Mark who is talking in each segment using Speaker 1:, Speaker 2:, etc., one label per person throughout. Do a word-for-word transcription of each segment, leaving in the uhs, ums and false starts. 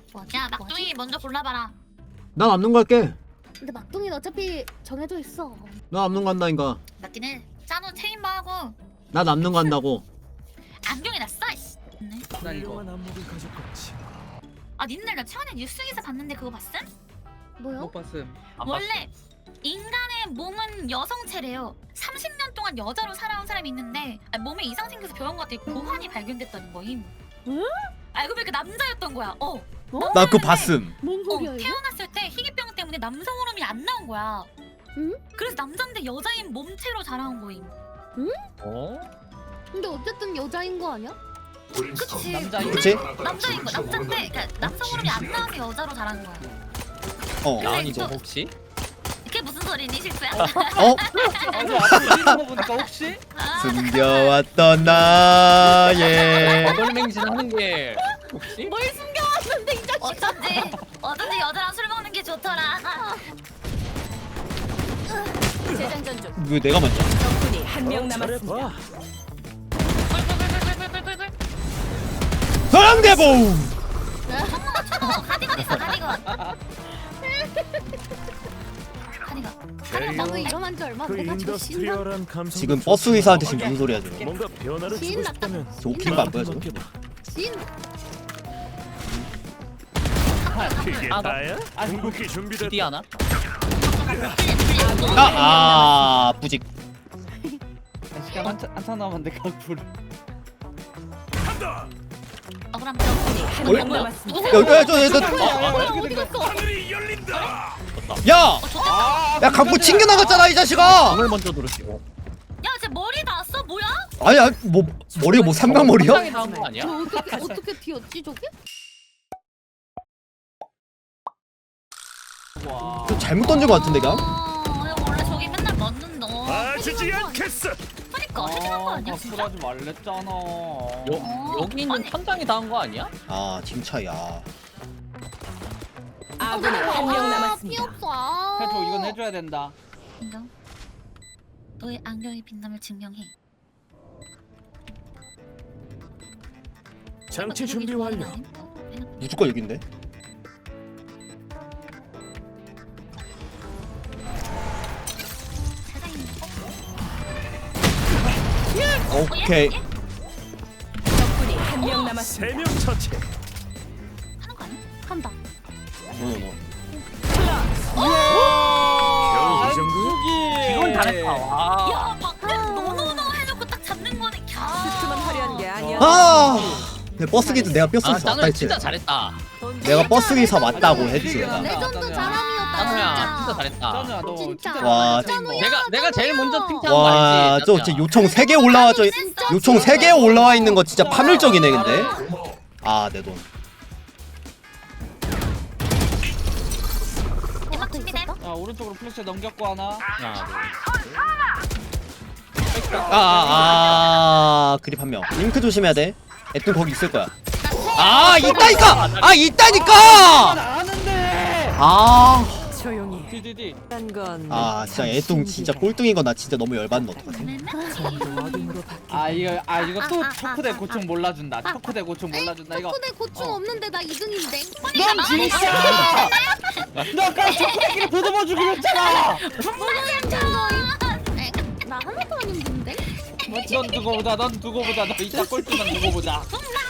Speaker 1: 야 막둥이 먼저 골라봐라.
Speaker 2: 난 남는 거 할게.
Speaker 3: 근데 막둥이는 어차피 정해져 있어.
Speaker 2: 나 남는 거 한다니까.
Speaker 1: 맞긴 해. 짜노 체인바 하고
Speaker 2: 나 남는 거 한다고.
Speaker 1: 안경이 났어. 이씨. 네.
Speaker 4: 난 이거
Speaker 1: 아 니들 나 최근에 뉴스 기사 봤는데 그거 봤음?
Speaker 3: 뭐요?
Speaker 4: 못 봤음.
Speaker 1: 원래 인간의 몸은 여성체래요. 삼십 년 동안 여자로 살아온 사람이 있는데 아니, 몸에 이상 생겨서 병원 갔더니 고환이 발견됐다는 거임.
Speaker 3: 응?
Speaker 1: 알고 보니까 남자였던 거야. 어.
Speaker 2: 나 그거 봤음.
Speaker 3: 뭔
Speaker 1: 어,
Speaker 3: 소리야 이거?
Speaker 1: 태어났을 때 희귀병 때문에 남성 호르몬이 안 나온 거야.
Speaker 3: 응?
Speaker 1: 그래서 남자인데 여자인 몸체로 자라온 거임.
Speaker 4: 어?
Speaker 3: 근데 어쨌든 여자인 거 아니야?
Speaker 1: 그치.
Speaker 4: 남자인
Speaker 2: 그치?
Speaker 1: 남자인 거. 남자인데 그러니까 남성 호르몬이 안 나와서 여자로 자란 거야.
Speaker 2: 어.
Speaker 4: 나은이 너
Speaker 1: 또-
Speaker 4: 혹시?
Speaker 1: 그게 무슨 소리니 실수야?
Speaker 2: 어?
Speaker 4: 아, 저 앞으로 뛰는 거 보니까 혹시?
Speaker 1: 아,
Speaker 2: 숨겨왔던 나의
Speaker 4: 어덜맹진 하는 게 혹시?
Speaker 3: 뭘 숨겨왔는데 이 자식.
Speaker 1: 어쩐지 어쩐지 여자랑 술 먹는 게 좋더라.
Speaker 3: 재장전 중.
Speaker 2: 왜 내가 먼저?
Speaker 5: 적군이 한 명 남았습니다.
Speaker 1: 꿀꿀꿀꿀꿀꿀꿀.
Speaker 2: 사랑대봉.
Speaker 1: 어, 가디건 있어 가디건. 가디건.
Speaker 3: 나도 일어난 지 얼마 안
Speaker 6: 그
Speaker 3: 돼가지고 신나.
Speaker 6: 인더스트리얼한 감성.
Speaker 2: 지금 버스 의사한테 지금 무슨 소리야 지금?
Speaker 6: 뭔가 변화를 주고
Speaker 3: 신났다.
Speaker 6: 싶다면
Speaker 2: 저 웃긴 거 안 보여 저거?
Speaker 3: 신.
Speaker 6: 그게
Speaker 4: 아, 나-
Speaker 6: 다야?
Speaker 4: 아,
Speaker 6: 궁극기 준비됐다.
Speaker 4: 디디 하나?
Speaker 2: 아, 아 뿌직.
Speaker 4: 시간 한참 한참 남았는데 각불.
Speaker 1: 억울함.
Speaker 5: 적군이 한
Speaker 2: 어이?
Speaker 5: 명 남았습니다.
Speaker 2: 야, 야, 저, 저, 저,
Speaker 3: 어디 갔어?
Speaker 6: 하늘이 열린다.
Speaker 2: 야, 야, 갖고 챙겨 나갔잖아 이 자식아.
Speaker 4: 방을 먼저 누르시고.
Speaker 1: 야, 쟤 머리 나왔어? 뭐야?
Speaker 2: 아니야, 뭐 머리가 뭐 삼각머리야?
Speaker 4: 상당히 나온 거 아니야?
Speaker 3: 저 어떻게 어떻게 튀었지 저게?
Speaker 4: 와.
Speaker 2: 좀 잘못 던진 거 같은데 그냥?
Speaker 1: 어, 야, 원래 저기 맨날 맞는 너.
Speaker 6: 봐주지 않겠어.
Speaker 1: 그러니까 해결한 거 아니야, 진짜?
Speaker 4: 각불하지 말랬잖아.
Speaker 1: 어.
Speaker 4: 여 여기 있는
Speaker 1: 아니.
Speaker 4: 천장이 닿은 거 아니야?
Speaker 2: 아, 지금 차야.
Speaker 5: 아군이 한 명
Speaker 3: 피
Speaker 5: 남았습니다.
Speaker 3: 없어. 아.
Speaker 4: 해줘 이건 해줘야 된다.
Speaker 1: 인정. 너의 안경이 빛남을 증명해.
Speaker 6: 장치
Speaker 1: 여기
Speaker 6: 준비
Speaker 1: 좋아하는
Speaker 6: 완료.
Speaker 1: 거 아님? 어, 해놓고.
Speaker 2: 무조건 여긴데.
Speaker 1: 세상에. 어?
Speaker 2: 오케이.
Speaker 1: 어, 얘? 얘?
Speaker 5: 적군이 한 명 남았습니다.
Speaker 6: 세명 처치.
Speaker 1: 하는 거 아니야?
Speaker 3: 한다.
Speaker 2: 노노노.
Speaker 6: 겨우 이 정도?
Speaker 4: 이건 잘했다. 와.
Speaker 1: 야, 막 노노노 해놓고 딱 잡는 거는 캬.
Speaker 5: 슈트만 화려한 게 아니야.
Speaker 2: 아, 내 버스 기도 내가 뼈
Speaker 4: 아,
Speaker 2: 쓰기 왔다
Speaker 4: 짱은
Speaker 2: 했지.
Speaker 4: 진짜 잘했다.
Speaker 2: 내가 버스 기사 맞다고 했지.
Speaker 4: 짱이야.
Speaker 2: 내가.
Speaker 3: 레전드
Speaker 4: 짱이야.
Speaker 3: 사람이었다.
Speaker 4: 짱우야 진짜 잘했다.
Speaker 7: 짠우야 너
Speaker 3: 진짜.
Speaker 7: 진짜
Speaker 2: 와,
Speaker 3: 짱우야,
Speaker 4: 내가 내가 제일 먼저
Speaker 3: 짱우야.
Speaker 4: 칭찬한 거
Speaker 2: 와,
Speaker 4: 알지?
Speaker 2: 저
Speaker 4: 짱이야.
Speaker 2: 진짜 요청 세 개 올라와 저 요청 세 개 올라와 있는 거 진짜 파멸적이네 근데. 아, 내 돈.
Speaker 1: 음악 준비돼.
Speaker 7: 야 오른쪽으로 플래시 넘겼고 하나
Speaker 4: 하나, 둘.
Speaker 2: 아, 아, 아, 그립 한 명. 링크 조심해야 돼. 애또 거기 있을 거야. 아, 있다니까. 아, 있다니까.
Speaker 7: 아는데
Speaker 2: 아,
Speaker 5: 조용히.
Speaker 7: 디디디
Speaker 5: 건.
Speaker 2: 아, 진짜 애똥 진짜 꼴등인 거 나 진짜 너무 열받는 어떡하지?
Speaker 5: 어둠으로 바뀌.
Speaker 7: 아 이거 아 이거 또
Speaker 3: 아, 아,
Speaker 7: 초크대
Speaker 3: 아,
Speaker 7: 고충 몰라준다 초크대 고충 몰라준다 이거
Speaker 3: 덕분에 고충
Speaker 7: 어.
Speaker 3: 없는데 나 이 등인데.
Speaker 7: 넌 진짜 너 아까 초크대끼리 보듬어 주기로 했잖아
Speaker 3: 나 하나도 안 힘든데?
Speaker 7: 넌 두고 보자 넌 두고 보자 너 이따 꼴찌만 두고 보자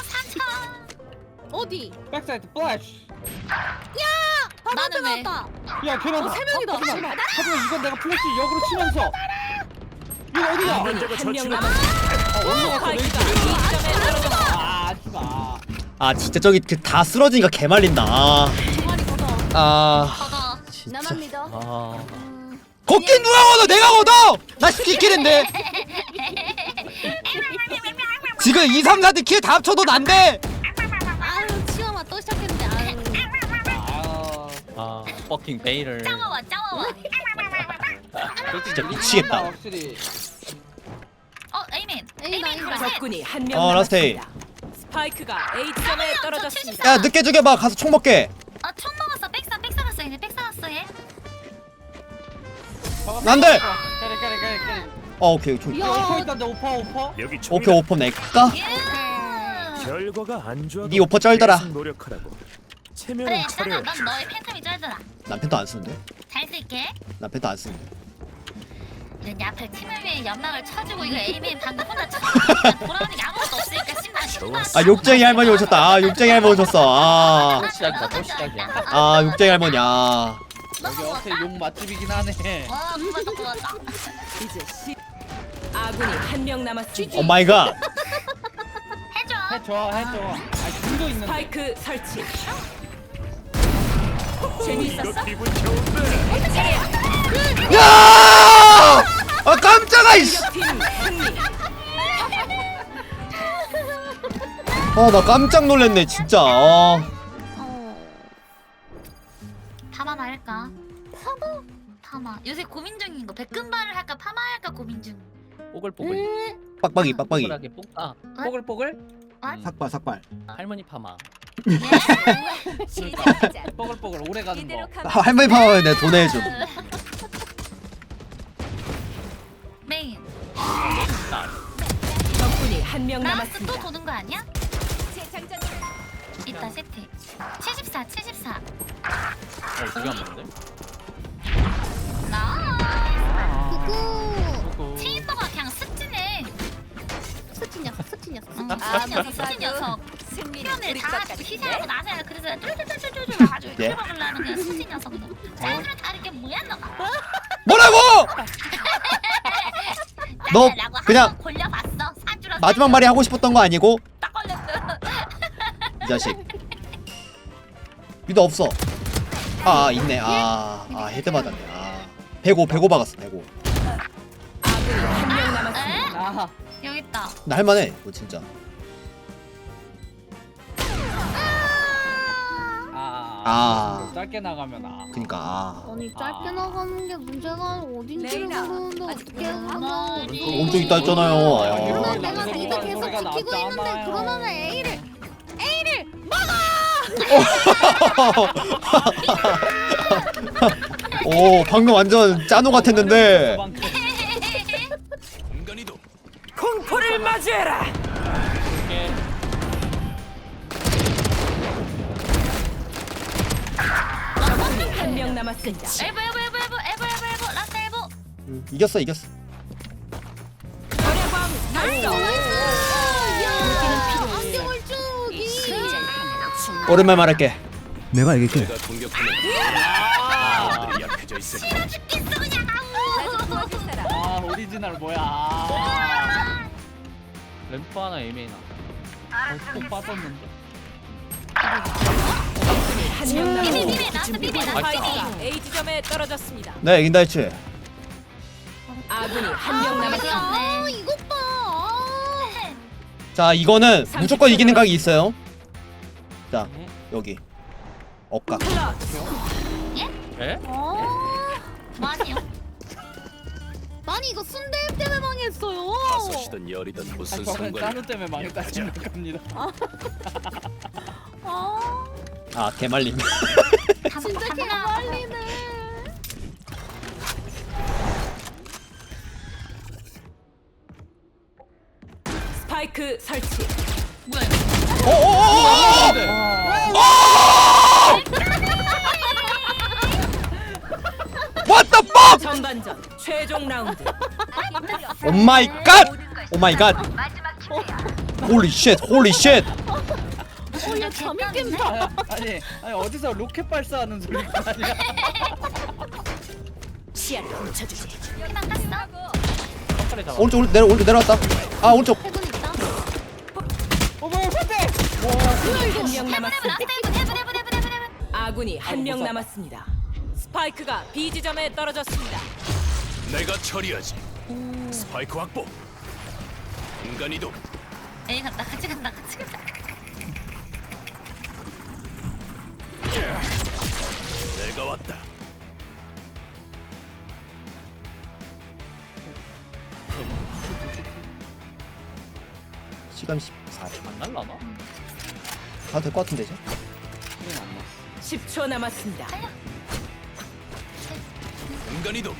Speaker 3: 어디?
Speaker 7: 백사이드 플래시
Speaker 3: 바로
Speaker 1: 나는 왜?
Speaker 3: 나왔다.
Speaker 7: 야 걔는
Speaker 3: 어, 세 명이다.
Speaker 7: 하지만 하지만 이건 내가 플래시 역으로 치면서 이거 어디야
Speaker 5: 아군이
Speaker 6: 저거
Speaker 5: 한 명
Speaker 6: 저치는-
Speaker 5: 남았습니다.
Speaker 7: 아 올라갔어
Speaker 5: 스파이크가
Speaker 7: 왼쪽에.
Speaker 5: 이 점에 떨어졌습니다.
Speaker 7: 아 하지마
Speaker 2: 아, 진짜 저기 그 다 쓰러지니까 개 말린다. 아,
Speaker 3: 종아리 걷어.
Speaker 2: 아,
Speaker 1: 걷어.
Speaker 2: 진짜.
Speaker 3: 나만 믿어.
Speaker 4: 아.
Speaker 3: 음,
Speaker 2: 걷긴 누가 걷어? 내가 걷어. 나 시키는데. 지금 이, 삼, 사 등 킬 다 합쳐도 난데.
Speaker 3: 아유 치와와 또 시작했는데. 아유.
Speaker 7: 아
Speaker 4: 아, 퍼킹 베일을.
Speaker 1: 짜와와 짜와와.
Speaker 2: 진짜 미치겠다.
Speaker 7: 확실히
Speaker 1: 어, 에이맨.
Speaker 3: 에이, 나
Speaker 1: 에이맨
Speaker 3: 이거.
Speaker 1: 그러지?
Speaker 5: 적군이 한 명
Speaker 2: 어, 라스트
Speaker 5: 남았습니다. 스파이크가 A 점에 떨어졌습니다.
Speaker 2: 야, 늦게 죽여봐. 가서 총 먹게.
Speaker 1: 아, 총 먹었어. 백사 백사 갔어. 이제 백사 갔어 얘.
Speaker 2: 안 돼.
Speaker 7: 까리 까리 까리 까리
Speaker 2: 어, 오케이. 총.
Speaker 3: 야.
Speaker 7: 오퍼 있던데 오퍼 오퍼
Speaker 6: 여기 총이다.
Speaker 2: 오케이, 오퍼 낼까?
Speaker 1: 예.
Speaker 6: 결과가 안 좋아.
Speaker 2: 네 오퍼 쩔더라.
Speaker 6: 노력하라고. 체면
Speaker 1: 그래
Speaker 6: 차려.
Speaker 1: 있잖아 넌 너의 팬텀이 쩔더라.
Speaker 2: 난 펜도 안 쓰는데?
Speaker 1: 잘 쓸게.
Speaker 2: 난 펜도 안 쓰는데.
Speaker 1: 넌 앞에 팀을 위해 연막을 쳐주고 이거 에이메인 방금 혼자 쳐. 돌아오는 게 아무것도 없으니까 신나 신나.
Speaker 2: 아 욕쟁이 할머니 오셨다. 아 욕쟁이 할머니 오셨어. 아,
Speaker 7: 또 시작이다 또 시작이야.
Speaker 2: 아 욕쟁이 할머니. 아,
Speaker 7: 여기 어떻게 욕 맛집이긴 하네.
Speaker 1: 와 그거다 그거다.
Speaker 5: 이제 시 아군이 한 명 남았습니다.
Speaker 2: 오 마이 갓.
Speaker 1: 해줘.
Speaker 7: 해줘 해줘. 아 궁도 있는데.
Speaker 5: 스파이크 설치. 재미있었어?
Speaker 6: 이거 기분 좋은데.
Speaker 2: 야! 아 깜짝아 이씨.
Speaker 5: 팀 승리.
Speaker 2: 아 나 깜짝 놀랐네 진짜. 아.
Speaker 3: 어.
Speaker 1: 파마나 할까? 파마? 파마. 요새 고민 중인 거. 백금발을 할까 파마 할까 고민 중.
Speaker 4: 뽀글뽀글.
Speaker 2: 빡빡이 빡빡이.
Speaker 4: 뽀글하게 뽀. 아 뽀글뽀글.
Speaker 2: 삭발 삭발.
Speaker 4: 할머니 파마.
Speaker 7: 뽀글뽀글 오래 가는 거.
Speaker 2: 아, 할머니 파마면 내가 돈 내줘.
Speaker 1: 메인.
Speaker 5: 적군이 한 명
Speaker 1: 나스 또
Speaker 5: 남았습니다.
Speaker 1: 도는 거 아니야? 이따 세트. 칠십사, 칠십사.
Speaker 4: 어 두개 안 맞는데?
Speaker 1: 나.
Speaker 3: 그거
Speaker 4: 뽀글.
Speaker 1: 체인버가 그냥 습지네.
Speaker 3: 스친 녀석 스친 녀석.
Speaker 1: 응,
Speaker 5: 아,
Speaker 1: 습지 녀석, 습지 녀석.
Speaker 5: 승리는
Speaker 1: 표현을
Speaker 5: 우리
Speaker 1: 다
Speaker 5: 것 같은데?
Speaker 1: 희생하고 나서야 그래서 쫄쫄쫄쫄쫄 와가지고
Speaker 2: 네?
Speaker 1: 들어가려는 그냥 습지 녀석이네. 자연스레 다른 게 뭐야 너가?
Speaker 2: 뭐라고? 너
Speaker 1: 라고
Speaker 2: 그냥
Speaker 1: 한번 골려봤어. 사주라.
Speaker 2: 마지막 말이 하고 싶었던 거 아니고
Speaker 1: 딱 걸렸어.
Speaker 2: 이 자식. 유도 없어. 아, 아 있네. 아, 아 헤드 맞았네. 아, 백오 백오 박았어. 백오.
Speaker 5: 아군이 한 명 남았습니다.
Speaker 7: 아
Speaker 1: 여기 있다.
Speaker 2: 나 할만해. 이거 진짜.
Speaker 7: 아.
Speaker 2: 아.
Speaker 7: 짧게 나가면 아.
Speaker 2: 그니까 아.
Speaker 3: 아니 짧게 나가는 게 문제가 어딘지를
Speaker 5: 레이나,
Speaker 3: 모르는데 어떻게 하나?
Speaker 2: 오른쪽 있다 했잖아요.
Speaker 3: 그러면
Speaker 2: 아.
Speaker 3: 내가 미드 계속
Speaker 7: 소리가
Speaker 3: 지키고 있는데
Speaker 7: 났잖아요.
Speaker 3: 그러면 A를
Speaker 2: 오 방금 완전 짜노 같았는데.
Speaker 6: 공간이도
Speaker 5: 공포를 맞이해라. 적군이 한 명 남았습니다.
Speaker 1: 엘보 엘보 엘보 엘보 엘보 엘보 엘보 라스트 엘보.
Speaker 2: 음, 이겼어 이겼어.
Speaker 5: 절야광
Speaker 1: 나이스.
Speaker 3: 야 안경을 쭉이
Speaker 2: 오랜만에 말할게. 내가 이길게.
Speaker 6: 내가 공격하면 아들이 약해져 있을 거야.
Speaker 1: 죽겠어 그냥 아우.
Speaker 7: 아 오리지널 뭐야. 아.
Speaker 4: 램프 하나 에이메인 하나.
Speaker 7: 벌써 빠졌는데.
Speaker 5: 한 명
Speaker 1: 비비
Speaker 5: 남았습니다.
Speaker 1: 비비 라스트 비비 라스트 비비.
Speaker 5: 스파이크가 A 지점에 떨어졌습니다.
Speaker 2: 네 이긴다 했지.
Speaker 5: 아군이 한 명 남았습니다.
Speaker 3: 아 이것 봐. 아.
Speaker 2: 자 이거는 무조건 이기는 각이 있어요. 자 여기 억각.
Speaker 4: 에?
Speaker 3: 아.
Speaker 1: 뭐하세요?
Speaker 3: 아니 이거 순대 때문에 망했어요.
Speaker 6: 다섯이든 열이든
Speaker 7: 아
Speaker 6: 무슨
Speaker 7: 저는
Speaker 6: 상관이야.
Speaker 7: 짜누 때문에 망했다 생각합니다.
Speaker 3: 아
Speaker 2: 아 개말림.
Speaker 3: 진짜 개말리네.
Speaker 5: 스파이크 설치.
Speaker 1: 뭐야 이거?
Speaker 2: 오오오오! What the fuck?
Speaker 5: 전반전 최종 라운드.
Speaker 2: 오 마이 갓! 오 마이 갓! 홀리 쉣! 홀리 쉣!
Speaker 3: 어야 잠이 깬다.
Speaker 7: 아, 아니 아니 어디서 로켓 발사하는 소리가 아니야.
Speaker 5: 시야를 훔쳐주지.
Speaker 1: 여기만 갔어.
Speaker 4: 턱걸이 잡아.
Speaker 2: 오른쪽 오른쪽 내려 오른쪽 내려왔다. 아 오른쪽.
Speaker 3: 해군 있다.
Speaker 7: 어 뭐야 선배.
Speaker 5: 한 명
Speaker 1: 해븐
Speaker 5: 남았습니다.
Speaker 1: 라스트 해븐 해븐 해븐 해븐 해븐 해븐.
Speaker 5: 아군이 한 명
Speaker 7: 못 쐈다.
Speaker 5: 남았습니다. 스파이크가 B 지점에 떨어졌습니다.
Speaker 6: 내가 처리하지. 스파이크 확보. 공간이도
Speaker 1: 에이 간다 같이 간다 같이 간다.
Speaker 6: 내가 왔다.
Speaker 2: 시간 십사 초.
Speaker 4: 안 날라나?
Speaker 2: 가도 될 것 같은데 이제.
Speaker 5: 십 초 남았습니다.
Speaker 6: 공간이도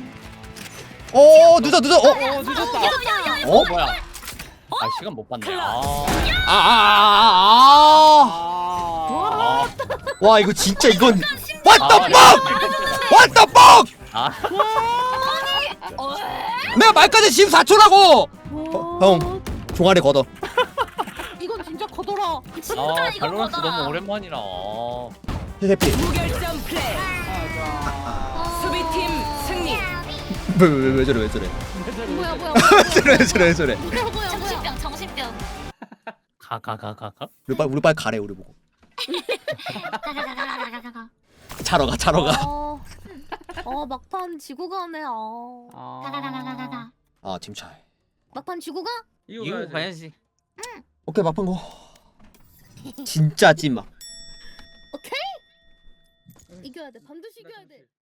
Speaker 2: 오 늦어 늦어. 어?
Speaker 7: 어 늦었다.
Speaker 1: 야야야.
Speaker 2: 어?
Speaker 4: 뭐야? 아 시간 못 봤네. 아.
Speaker 2: 아아아아 아.
Speaker 7: 아.
Speaker 2: 와 이거 진짜 이건 What the fuck! What the fuck!
Speaker 4: 아
Speaker 1: 어?
Speaker 2: 내가 말까지 십사 초라고!
Speaker 3: 와,
Speaker 2: 형. 종아리 걷어.
Speaker 3: 이건 진짜 커더라.
Speaker 1: 진짜
Speaker 4: 아
Speaker 1: 이거
Speaker 4: 발로란스
Speaker 1: 거다.
Speaker 4: 너무 오랜만이라 아.
Speaker 2: 해피.
Speaker 5: 무결점 플레이. 수비팀 승리.
Speaker 2: 왜왜 왜 저래 왜 저래?
Speaker 3: 뭐야 뭐야
Speaker 2: 왜 저래 왜 저래 왜 저래?
Speaker 3: 뭐야 뭐야 뭐야.
Speaker 1: 정신병 정신병.
Speaker 4: 가 가 가 가 가.
Speaker 2: 우리 빨리 우리 빨리 가래 우리 보고.
Speaker 1: 가가가가가가가.
Speaker 2: 자러 가 자러 가.
Speaker 3: 어, 어 막판 지고 가네. 아.
Speaker 1: 가가가가가가.
Speaker 2: 아 팀 차이.
Speaker 3: 막판 지고 가?
Speaker 4: 이거 가야지.
Speaker 2: 오케이 막판 거. 진짜 찐막.
Speaker 3: 오케이. 이겨야 돼. 반드시 이겨야 돼.